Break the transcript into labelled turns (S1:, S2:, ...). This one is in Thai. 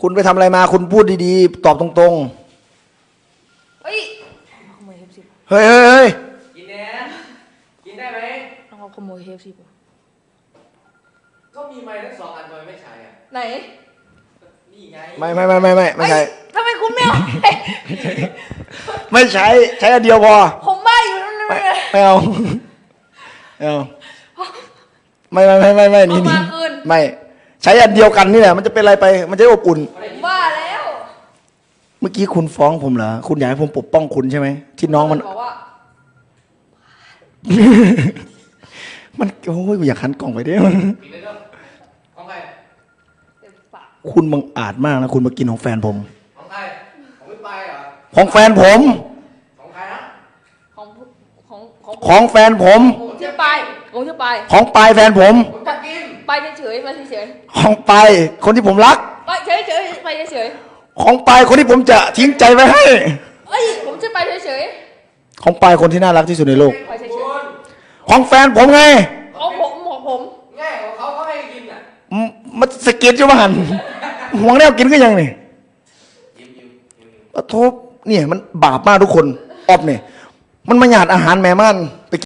S1: คุณไปทำอะไรมาคุณพูดดีๆตอบตรง
S2: เฮ้ยขโมยKFC
S1: ๆเฮ้ยเฮ้ยเฮ้ย
S3: กินแน่กินได้ไหม
S2: ต้องเอาขโมยKFC ป่ะ
S3: ก็มีไม้ทั้ง2 อันทำไมไม่ใช้อ่ะ
S2: ไหน
S3: นี่ไง
S1: ไม่ใช่
S2: ทำไมคุณไม่เอา
S1: ไม่ใช้ใช้อันเดียวพอ
S2: ผมบ้าอยู่นั่น
S1: ไม่เอาไม่เอาไม่นี่
S2: เอามาคืน
S1: ไม่ใช้อันเดียวกันนี่แหละมันจะเป็นอะไรไปมันจะได้อบอุ่น
S2: ผมบ้าแล้ว
S1: เมื่อกี้คุณฟ้องผมเหรอคุณอยากให้ผมปกป้องคุณใช่ไหมที่น้องมัน
S2: บอกว่า
S1: มันโอ้ยอยากหันกล่องไปเด้อ
S3: กินได้ด้วยของใคร
S2: เต็มปาก
S1: คุณบังอาจมากนะคุณมากินของแฟนผม
S3: ของใครของพี่ปายเหรอ
S1: ของแฟนผม
S3: ของใครนะ
S2: ของของ
S1: ของแฟนผม
S2: ผมชื่อปายผมชื่อปาย
S1: ของปายแฟนผม
S3: ผมจะกิน
S2: ไปเฉยๆมาเฉย
S1: ของปายคนที่ผมรัก
S2: ๆไปเฉยๆไปเฉย
S1: ของปายคนที่ผมจะทิ้งใจไว้ให้
S2: ๆเอ้ยผมชื่อไปเฉย
S1: ของปายคนที่น่ารักที่สุดในโลก
S2: ๆไปเฉย
S3: คุณ
S1: ของแฟนผมไง
S2: ๆของผม
S3: ง่ายของเขาให้กินอ่ะ
S1: มันสะกิดอยู่มาหันห่วงแนวกินก็ยังนี่
S3: ยิ้ม
S1: โทษเนี่ยมันบาปมากทุกคนออบเนี่ยมันมาหยาดอาหารแม่มันไป